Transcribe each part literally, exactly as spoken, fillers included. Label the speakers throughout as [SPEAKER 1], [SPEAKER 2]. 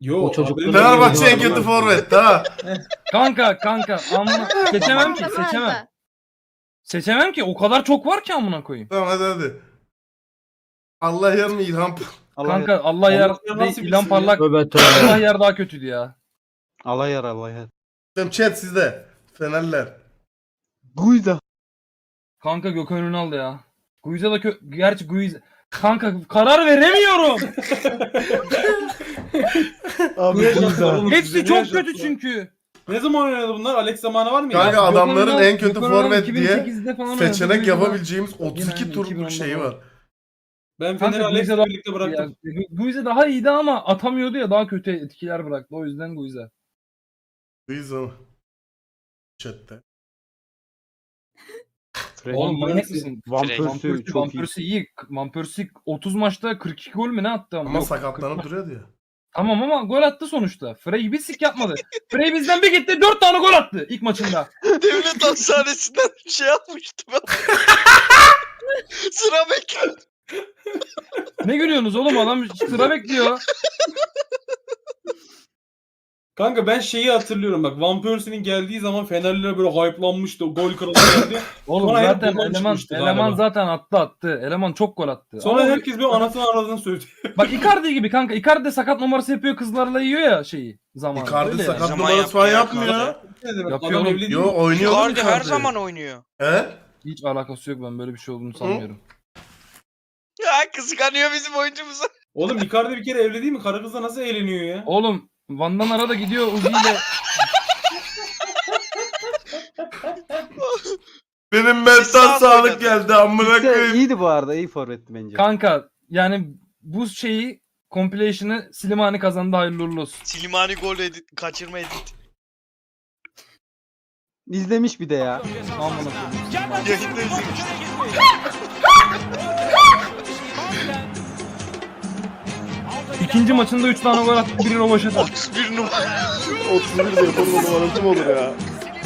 [SPEAKER 1] Yo,
[SPEAKER 2] O çocukların-
[SPEAKER 3] Fenerbahçe en kötü forvet ha.
[SPEAKER 4] Kanka kanka amma seçemem ki
[SPEAKER 5] Tamam,
[SPEAKER 4] seçemem.
[SPEAKER 5] tamam.
[SPEAKER 4] Seçemem ki o kadar çok var ki amına koyayım.
[SPEAKER 3] Tamam hadi hadi. Allah yarın İlhan.
[SPEAKER 2] Allah
[SPEAKER 4] Kanka Allah yer
[SPEAKER 1] Allah
[SPEAKER 4] değil,
[SPEAKER 1] nasıl
[SPEAKER 4] İlhan
[SPEAKER 1] bilsin
[SPEAKER 4] Parlak
[SPEAKER 2] Tövbe tövbe.
[SPEAKER 4] Allah yer daha kötüydü ya.
[SPEAKER 2] Allah yar Allah yar.
[SPEAKER 3] Tamam chat sizde. Fenerler.
[SPEAKER 2] Guyda.
[SPEAKER 4] Kanka Gökhan Ünal ya. Guiza da kö... Gerçi Guiza... Kanka karar veremiyorum.
[SPEAKER 2] Abi
[SPEAKER 1] Niye
[SPEAKER 2] Guyda.
[SPEAKER 1] yaşattılar oğlum?
[SPEAKER 4] Hepsi
[SPEAKER 1] Niye
[SPEAKER 4] çok
[SPEAKER 1] yaşattılar?
[SPEAKER 4] kötü çünkü.
[SPEAKER 1] Ne zaman oynadı bunlar? Alex zamanı var mı ya?
[SPEAKER 3] Kanka
[SPEAKER 4] Gökhan
[SPEAKER 3] adamların
[SPEAKER 4] Ünal-
[SPEAKER 3] en kötü
[SPEAKER 4] Gökhan Ünal
[SPEAKER 3] forvet diye
[SPEAKER 4] iki bin sekizde falan oynadı.
[SPEAKER 3] seçenek
[SPEAKER 4] Guiza da-
[SPEAKER 3] yapabileceğimiz otuz iki
[SPEAKER 4] Yine aynı,
[SPEAKER 3] turluk
[SPEAKER 4] iki bin
[SPEAKER 3] şeyi
[SPEAKER 4] onda
[SPEAKER 3] var.
[SPEAKER 1] Ben
[SPEAKER 4] Kanka
[SPEAKER 1] Fener'i Alex'le
[SPEAKER 4] Guiza'dan-
[SPEAKER 1] birlikte bıraktım.
[SPEAKER 4] Ya, Guiza daha iyiydi ama atamıyordu ya, daha kötü etkiler bıraktı. O yüzden Guiza.
[SPEAKER 3] Biz o. Chatte.
[SPEAKER 4] Oğlum manyak mısın?
[SPEAKER 2] Van
[SPEAKER 6] Frey.
[SPEAKER 4] Van
[SPEAKER 2] Persie
[SPEAKER 4] Persie,
[SPEAKER 2] çok
[SPEAKER 4] Van
[SPEAKER 2] iyi.
[SPEAKER 4] Persie iyi. Van Persie otuz maçta kırk iki gol mü ne attı ama?
[SPEAKER 3] Ama
[SPEAKER 4] Yok,
[SPEAKER 3] sakatlanıp
[SPEAKER 4] kırk-
[SPEAKER 3] duruyordu ya.
[SPEAKER 4] Tamam ama gol attı sonuçta. Frey bir sik yapmadı. Frey bizden bir gitti dört tane gol attı ilk maçında.
[SPEAKER 6] Devlet hastanesinden şey yapmıştım ben. Sıra bekliyor.
[SPEAKER 4] Ne gülüyorsunuz oğlum, adam sıra bekliyor.
[SPEAKER 1] Kanka ben şeyi hatırlıyorum bak. Van Persie'nin geldiği zaman Fenerliler böyle hype'lanmıştı. Gol kralı geldi.
[SPEAKER 4] Oğlum
[SPEAKER 1] Sonra hep
[SPEAKER 4] zaten
[SPEAKER 1] bundan
[SPEAKER 4] eleman
[SPEAKER 1] çıkmıştı
[SPEAKER 4] eleman
[SPEAKER 1] galiba.
[SPEAKER 4] zaten attı attı. Eleman çok gol attı.
[SPEAKER 1] Sonra
[SPEAKER 4] Ama
[SPEAKER 1] herkes bir anasını aradığını söyledi.
[SPEAKER 4] bak Icardi gibi kanka. Icardi de sakat numarası yapıyor, kızlarla yiyor ya şeyi zamanı.
[SPEAKER 3] Icardi
[SPEAKER 4] Öyle
[SPEAKER 3] sakat
[SPEAKER 4] yani.
[SPEAKER 6] Zaman
[SPEAKER 3] numarası falan
[SPEAKER 6] yapıyor ya
[SPEAKER 3] yapmıyor.
[SPEAKER 1] Ne demek?
[SPEAKER 4] Yapıyor
[SPEAKER 1] Adam
[SPEAKER 4] oğlum.
[SPEAKER 1] evli değil
[SPEAKER 3] Yo
[SPEAKER 1] mi?
[SPEAKER 3] oynuyor oğlum
[SPEAKER 6] Icardi her
[SPEAKER 3] Icardi.
[SPEAKER 6] zaman oynuyor.
[SPEAKER 3] He?
[SPEAKER 4] Hiç alakası yok, ben böyle bir şey olduğunu sanmıyorum.
[SPEAKER 6] Ya kıskanıyor bizim oyuncumuzu.
[SPEAKER 1] Oğlum Icardi bir kere evli değil mi? Karı kızla nasıl eğleniyor ya?
[SPEAKER 4] Oğlum Van'dan arada gidiyor Uzi ile.
[SPEAKER 3] Benim
[SPEAKER 6] Biz
[SPEAKER 3] mental
[SPEAKER 6] sağ
[SPEAKER 3] sağlık
[SPEAKER 6] oynadık.
[SPEAKER 3] geldi amına
[SPEAKER 2] İşte
[SPEAKER 3] koyayım.
[SPEAKER 2] iyiydi bu arada. İyi forvetti bence.
[SPEAKER 4] Kanka yani bu şeyi compilation'ı Slimani kazandı, hayırlı uğurlu olsun.
[SPEAKER 6] Silimani gol edit, kaçırma edit.
[SPEAKER 2] İzlemiş bir de ya.
[SPEAKER 4] Amına koyayım.
[SPEAKER 6] Yayında izlemiştim.
[SPEAKER 4] İkinci maçında üç tane gol attı, biri rovaşata.
[SPEAKER 6] otuz bir numara.
[SPEAKER 7] otuz bir de yapalım numarası mı olur ya?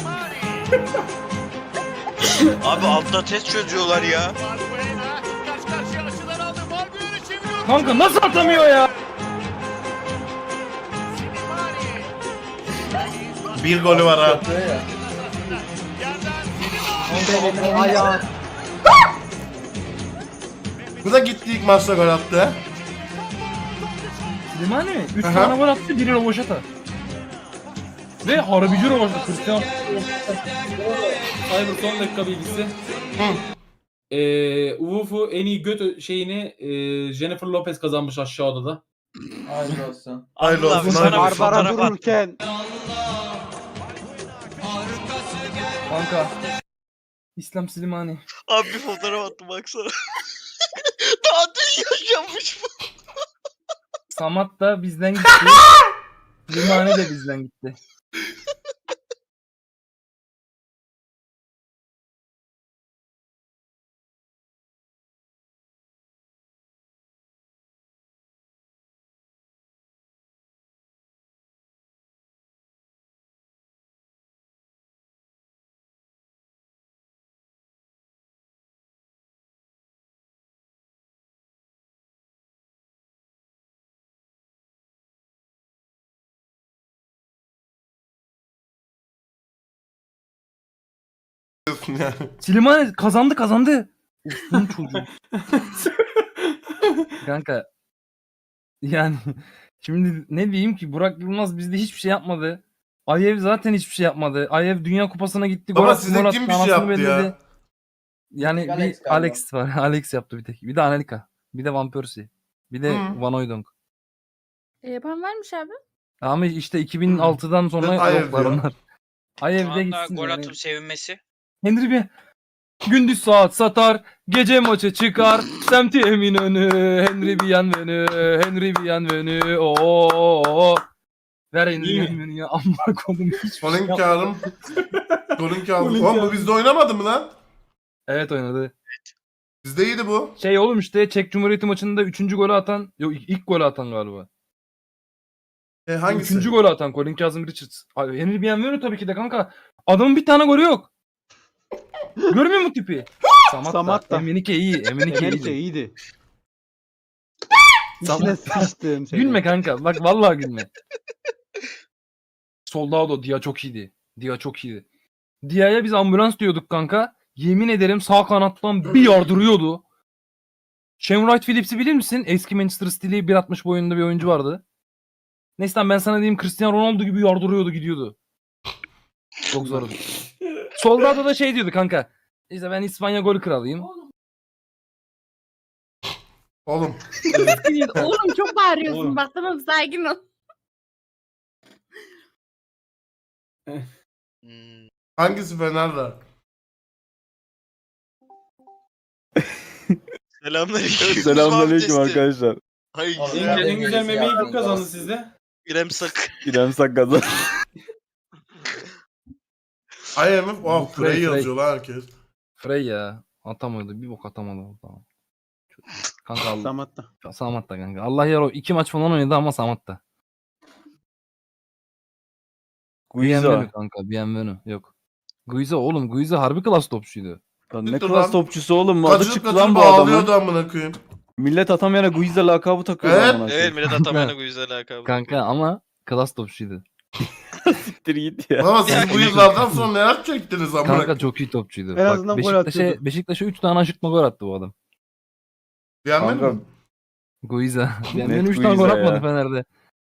[SPEAKER 6] Abi altta test çözüyorlar ya.
[SPEAKER 4] Kanka nasıl atamıyor ya?
[SPEAKER 3] Bir golü var ha.
[SPEAKER 2] Ayağı.
[SPEAKER 3] Bu da gitti ilk maçta gol attı.
[SPEAKER 4] Slimani üç
[SPEAKER 3] Aha.
[SPEAKER 4] tane gol attı, biri rovaşata. Ve harbici rovaşata. Cristiano.
[SPEAKER 1] Cyber son dakika bilgisi. Eee Uwufu en iyi göt şeyini eee, Jennifer Lopez kazanmış aşağı odada.
[SPEAKER 4] Hayırlı olsun.
[SPEAKER 3] Hayırlı
[SPEAKER 6] Allah
[SPEAKER 3] olsun,
[SPEAKER 6] abi,
[SPEAKER 3] hayırlı
[SPEAKER 6] sana bir
[SPEAKER 3] olsun.
[SPEAKER 2] Barbara
[SPEAKER 6] fotoğraf at.
[SPEAKER 2] dururken.
[SPEAKER 4] Kanka. İslam Slimani.
[SPEAKER 6] Abi bir fotoğraf attım baksana. Daha dün yaşanmış bu.
[SPEAKER 4] Samat da bizden gitti. Slimani de bizden gitti.
[SPEAKER 3] Yani.
[SPEAKER 4] Slimani kazandı kazandı. Ulan çocuğu. Kanka. Yani şimdi ne diyeyim ki, Burak Yılmaz bizde hiçbir şey yapmadı. Ayev zaten hiçbir şey yapmadı. Ayev Dünya Kupası'na gitti.
[SPEAKER 3] Baba
[SPEAKER 4] attı,
[SPEAKER 3] size
[SPEAKER 4] gol
[SPEAKER 3] kim
[SPEAKER 4] attı,
[SPEAKER 3] bir şey
[SPEAKER 4] anasını
[SPEAKER 3] yaptı ya?
[SPEAKER 4] belledi. Yani
[SPEAKER 8] Alex
[SPEAKER 4] bir
[SPEAKER 8] galiba.
[SPEAKER 4] Alex var. Alex yaptı bir tek. Bir de Anelka. Bir de Van Persie. Bir de
[SPEAKER 3] Hı.
[SPEAKER 4] Van Hooijdonk.
[SPEAKER 5] E, yapan varmış abi.
[SPEAKER 4] Ama işte iki bin altıdan sonra
[SPEAKER 3] Ben Ayev
[SPEAKER 4] yoklar
[SPEAKER 3] diyorum.
[SPEAKER 4] onlar.
[SPEAKER 6] Şu
[SPEAKER 4] Ayev'de
[SPEAKER 6] anda
[SPEAKER 4] gitsin.
[SPEAKER 6] gol
[SPEAKER 4] yani.
[SPEAKER 6] atıp sevinmesi.
[SPEAKER 4] Henry bir gündüz saat satar, gece maçı çıkar. Semti Eminönü, Henry Bienvenu, Henry Bienvenu. Oo. Ver Henry
[SPEAKER 1] İyi mi?
[SPEAKER 4] Bienvenu'yu ya. Amma kodum hiç.
[SPEAKER 3] Golün kağıdım. Golün kağıdım.
[SPEAKER 1] Golün
[SPEAKER 3] Oğlum bu
[SPEAKER 1] kağıdı.
[SPEAKER 3] bizde oynamadı mı lan?
[SPEAKER 4] Evet oynadı.
[SPEAKER 3] Bizde iyiydi bu.
[SPEAKER 4] Şey oğlum işte Çek Cumhuriyeti maçında üçüncü golü atan, yok ilk, ilk golü atan galiba.
[SPEAKER 3] E hangisi?
[SPEAKER 4] Üçüncü golü atan Colin Kazım Richards. Abi, Henry Bienvenu tabii ki de kanka. Adamın bir tane golü yok. Görmüyor musun tipi? Samat,
[SPEAKER 2] Samat
[SPEAKER 4] da.
[SPEAKER 2] da.
[SPEAKER 4] Emenike iyi. Emenike
[SPEAKER 2] Melike
[SPEAKER 4] iyi.
[SPEAKER 2] iyiydi.
[SPEAKER 4] Tamam.
[SPEAKER 2] İçine sıçtım seni.
[SPEAKER 4] Gülme kanka. Bak vallahi gülme. Soldado, Dia çok iyiydi. Dia çok iyiydi. Dia'ya biz ambulans diyorduk kanka. Yemin ederim sağ kanattan bir yardırıyordu. Shane Wright Phillips'i bilir misin? Eski Manchester City'li bir altmış boyunda bir oyuncu vardı. Neyse lan ben sana diyeyim Cristiano Ronaldo gibi yardırıyordu gidiyordu. Çok zordu. Soldado da şey diyordu kanka. İşte ben İspanya gol kralıyım.
[SPEAKER 3] Oğlum.
[SPEAKER 5] Oğlum çok bağırıyorsun
[SPEAKER 1] Oğlum.
[SPEAKER 5] bak tamam sakin ol.
[SPEAKER 6] Hmm.
[SPEAKER 3] Hangisi Fener'de?
[SPEAKER 6] Selamünaleyküm.
[SPEAKER 7] Selamünaleyküm
[SPEAKER 6] Abdesti.
[SPEAKER 7] arkadaşlar.
[SPEAKER 6] Hay
[SPEAKER 1] En,
[SPEAKER 6] güzel.
[SPEAKER 1] en güzel memeyi kim kazandı sizde?
[SPEAKER 6] İrem Sak.
[SPEAKER 7] İrem Sakkaza.
[SPEAKER 3] I M F. Oh,
[SPEAKER 4] Frey,
[SPEAKER 3] Frey
[SPEAKER 4] Frey.
[SPEAKER 3] yazıyor lan herkes.
[SPEAKER 4] Frey ya. Atamadı. Bir bok atamadı. Tamam. Kanka Allah.
[SPEAKER 2] Samatta.
[SPEAKER 4] Samatta kanka. Allah yer o. iki maç falan oynadı ama Samatta. Bienvenu
[SPEAKER 7] Guiza.
[SPEAKER 4] kanka. Bienvenu. Yok. Guiza oğlum. Guiza harbi klas topçuydu.
[SPEAKER 7] Lan ne
[SPEAKER 3] Siktir
[SPEAKER 7] klas
[SPEAKER 3] lan.
[SPEAKER 7] topçusu oğlum. Adı
[SPEAKER 3] Kaçırıp
[SPEAKER 7] çıktı lan
[SPEAKER 3] kaçırıp
[SPEAKER 7] bu adamın.
[SPEAKER 3] ağlıyordu amına koyayım.
[SPEAKER 7] Millet atamayana Guiza lakabı takıyor
[SPEAKER 3] Evet.
[SPEAKER 7] amına
[SPEAKER 6] Evet
[SPEAKER 7] koyayım.
[SPEAKER 6] millet atamayana bu yüzden alakalı.
[SPEAKER 4] Kanka ama klas topçuydu.
[SPEAKER 7] Siktir git ya.
[SPEAKER 3] Ama siz bu yıllardan sonra neler çektiniz amına
[SPEAKER 4] Kanka
[SPEAKER 3] koyayım.
[SPEAKER 4] çok iyi topçuydu.
[SPEAKER 2] En
[SPEAKER 4] Bak,
[SPEAKER 2] azından gol
[SPEAKER 4] Beşiktaş'a,
[SPEAKER 2] atıyordu.
[SPEAKER 4] Beşiktaş'a üç tane aşırtma gol attı bu adam.
[SPEAKER 3] Beğenmedin
[SPEAKER 7] Kanka,
[SPEAKER 3] mi?
[SPEAKER 4] Guiza.
[SPEAKER 7] Net
[SPEAKER 4] Benim üç tane gol
[SPEAKER 7] Guiza
[SPEAKER 4] atmadı
[SPEAKER 7] ya.
[SPEAKER 4] Fener'de.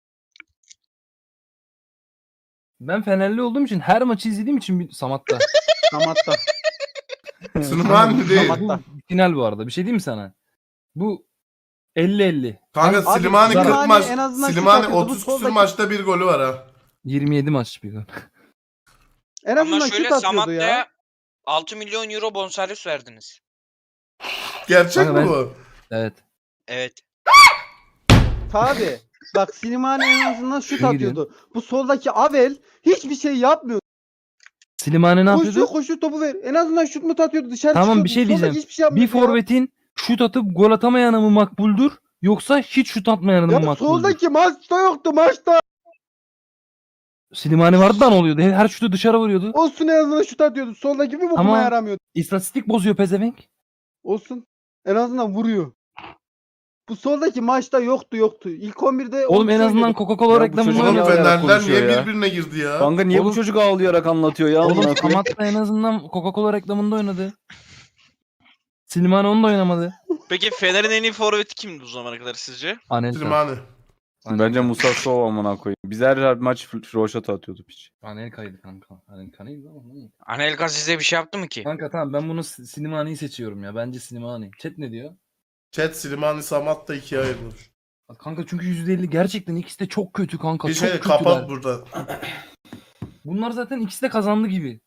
[SPEAKER 4] Ben Fenerli olduğum için her maçı izlediğim için bir Samat'ta.
[SPEAKER 2] Samatta.
[SPEAKER 3] Süleyman değil.
[SPEAKER 2] Samatta.
[SPEAKER 4] Bu final bu arada. Bir şey diyeyim mi sana? Bu elli elli.
[SPEAKER 3] Kanka
[SPEAKER 2] Abi,
[SPEAKER 3] Slimani kırk
[SPEAKER 2] Slimani
[SPEAKER 3] maç.
[SPEAKER 2] en azından şu
[SPEAKER 3] Slimani
[SPEAKER 2] takıyordu, bu
[SPEAKER 3] otuz küsür
[SPEAKER 2] soldaki-
[SPEAKER 3] maçta bir golü var ha.
[SPEAKER 4] yirmi yedi maç bir gol.
[SPEAKER 2] En
[SPEAKER 8] Ama
[SPEAKER 2] azından
[SPEAKER 8] şöyle
[SPEAKER 2] şut atıyordu
[SPEAKER 8] Samatta'ya
[SPEAKER 2] ya.
[SPEAKER 8] altı milyon euro bonservis verdiniz.
[SPEAKER 3] Gerçek
[SPEAKER 4] Kanka
[SPEAKER 3] mi
[SPEAKER 4] ben-
[SPEAKER 3] bu?
[SPEAKER 4] Evet.
[SPEAKER 8] Evet.
[SPEAKER 2] Tabi. Bak Slimani en azından şut
[SPEAKER 4] İyi
[SPEAKER 2] atıyordu. Bu soldaki Avel hiçbir şey yapmıyor.
[SPEAKER 4] Slimani ne
[SPEAKER 2] Koşuyor
[SPEAKER 4] yapıyordu?
[SPEAKER 2] koşuyor topu ver. En azından şut mu atıyordu dışarı
[SPEAKER 4] Tamam,
[SPEAKER 2] çıkıyordu.
[SPEAKER 4] bir şey
[SPEAKER 2] Soldaki
[SPEAKER 4] diyeceğim.
[SPEAKER 2] hiçbir şey yapmıyor
[SPEAKER 4] Bir forvetin şut atıp gol atamayanı mı makbuldür yoksa hiç şut atmayanı mı
[SPEAKER 2] Ya
[SPEAKER 4] makbuldür?
[SPEAKER 2] soldaki maçta yoktu maçta.
[SPEAKER 4] Slimani vardı da ne oluyordu? Her şutu dışarı vuruyordu.
[SPEAKER 2] Olsun en azından şut atıyordu. Soldaki bir bokuma
[SPEAKER 4] Ama-
[SPEAKER 2] yaramıyordu.
[SPEAKER 4] İstatistik bozuyor pezevenk.
[SPEAKER 2] Olsun. En azından vuruyor. Bu soldaki maçta yoktu yoktu. İlk on birde
[SPEAKER 4] Oğlum
[SPEAKER 2] onu
[SPEAKER 4] en azından
[SPEAKER 2] söylüyordum.
[SPEAKER 4] Coca-Cola
[SPEAKER 7] Ya bu
[SPEAKER 4] reklamında
[SPEAKER 7] çocuk
[SPEAKER 3] Oğlum
[SPEAKER 7] ya,
[SPEAKER 4] oynadı.
[SPEAKER 7] ağlayarak
[SPEAKER 3] Fenerler niye
[SPEAKER 7] konuşuyor ya.
[SPEAKER 3] birbirine girdi ya?
[SPEAKER 7] Kanka niye
[SPEAKER 4] Oğlum-
[SPEAKER 7] bu çocuk ağlayarak anlatıyor ya?
[SPEAKER 4] Oğlum
[SPEAKER 7] amına koyayım?
[SPEAKER 4] Samat da en azından Coca-Cola reklamında oynadı. Slimani onu da oynamadı.
[SPEAKER 6] Peki Fener'in en iyi forveti kimdi bu zamana kadar sizce?
[SPEAKER 4] Anelka.
[SPEAKER 3] Slimani.
[SPEAKER 7] Bence Musa Sova amına koyayım. Biz her, her maç roşat atıyordu piç.
[SPEAKER 4] Anelka'ydı kanka. Anelka neydi ama neydi?
[SPEAKER 8] Anelka size bir şey yaptı mı ki?
[SPEAKER 4] Kanka tamam ben bunu S- Slimani'yi seçiyorum ya. Bence Slimani. Chat ne diyor?
[SPEAKER 3] Chat Slimani Samat da ikiye ayrılır.
[SPEAKER 4] Kanka çünkü yüzde elli gerçekten ikisi de çok kötü kanka.
[SPEAKER 3] Bir
[SPEAKER 4] çok
[SPEAKER 3] şey
[SPEAKER 4] kötüler.
[SPEAKER 3] kapat burada.
[SPEAKER 4] Bunlar zaten ikisi de kazandı gibi.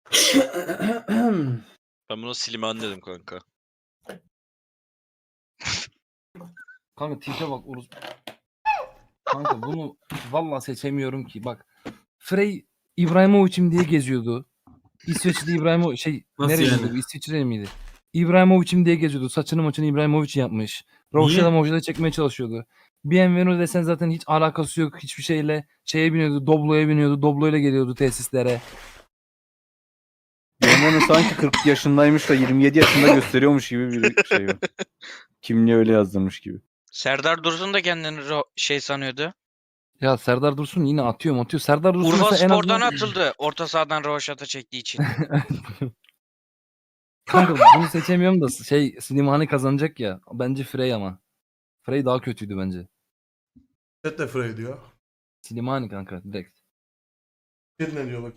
[SPEAKER 6] Ben buna Slimani dedim kanka.
[SPEAKER 4] Kanka tipe bak Uruz. Kanka bunu vallahi seçemiyorum ki. Bak Frey İbrahimovic'im diye geziyordu. İsveçli İbrahimo şey
[SPEAKER 1] Nasıl
[SPEAKER 4] nereliydi
[SPEAKER 1] yani?
[SPEAKER 4] bu? İsviçre miydi? İbrahimovic'im diye geziyordu. Saçını maçını İbrahimovic yapmış. Roşa'da Moja'da çekmeye çalışıyordu. Bienvenu desen zaten hiç alakası yok hiçbir şeyle. Şeye biniyordu, Doblo'ya biniyordu. Doblo'yla geliyordu tesislere.
[SPEAKER 7] Yemen sanki kırk yaşındaymış da yirmi yedi yaşında gösteriyormuş gibi bir şey var. Kimliğe öyle yazdırmış gibi.
[SPEAKER 8] Serdar Dursun da kendini ro- şey sanıyordu.
[SPEAKER 4] Ya Serdar Dursun yine atıyor atıyor. Serdar Dursun
[SPEAKER 8] Urfa
[SPEAKER 4] mesela en
[SPEAKER 8] Spor'dan
[SPEAKER 4] azından...
[SPEAKER 8] atıldı. Orta sahadan Rovaşat'a çektiği için.
[SPEAKER 4] Kanka bunu seçemiyorum da şey Slimani kazanacak ya. Bence Frey ama. Frey daha kötüydü bence.
[SPEAKER 3] Chat de Frey diyor.
[SPEAKER 4] Slimani kanka direkt.
[SPEAKER 3] Chat ne diyor bak.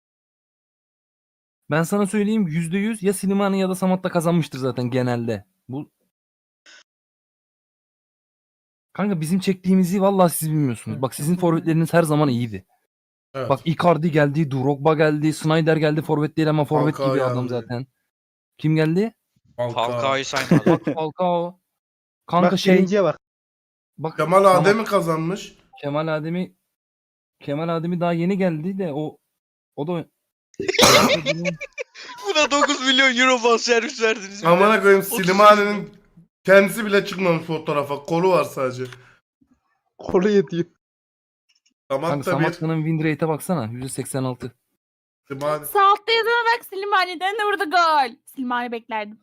[SPEAKER 4] Ben sana söyleyeyim yüzde yüz ya Slimani ya da Samat da kazanmıştır zaten genelde. Bu Kanka bizim çektiğimizi vallahi siz bilmiyorsunuz. Bak sizin forvetleriniz her zaman iyiydi.
[SPEAKER 3] Evet.
[SPEAKER 4] Bak Icardi geldi, Drogba geldi, Snyder geldi forvet değil ama forvet
[SPEAKER 3] Falcao
[SPEAKER 4] gibi adam
[SPEAKER 3] geldi.
[SPEAKER 4] zaten. Kim geldi?
[SPEAKER 3] Falcao.
[SPEAKER 8] Falcao'yu saymadı.
[SPEAKER 4] Bak Falcao. Kanka
[SPEAKER 2] Bak
[SPEAKER 4] şey
[SPEAKER 2] birinciye bak.
[SPEAKER 4] bak
[SPEAKER 3] Kemal
[SPEAKER 4] Samat-
[SPEAKER 3] Adem'i kazanmış.
[SPEAKER 4] Kemal Ademi Kemal Ademi daha yeni geldi de o o da
[SPEAKER 6] Buna dokuz milyon euro bonservis verdiniz. bir de.
[SPEAKER 3] Amına koyayım
[SPEAKER 6] otuz
[SPEAKER 3] Slimani'nin kendisi bile çıkmamış fotoğrafa. Kolu var sadece.
[SPEAKER 2] Kolu yetiyor.
[SPEAKER 4] Kanka
[SPEAKER 3] Samat da bir.
[SPEAKER 4] Samatta'nın win rate'e baksana yüzde seksen altı.
[SPEAKER 3] Slimani.
[SPEAKER 5] Sağ altta yazana bak Slimani'den de burada gol. Slimani beklerdim.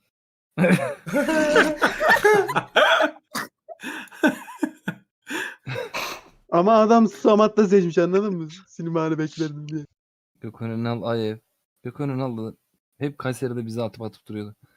[SPEAKER 2] Ama adam Samat'ta seçmiş anladın mı? Slimani beklerdim diye.
[SPEAKER 4] Gökhan Ünal, Ayev. Gökhan Ünal da hep Kayseri'de bizi atıp atıp duruyordu.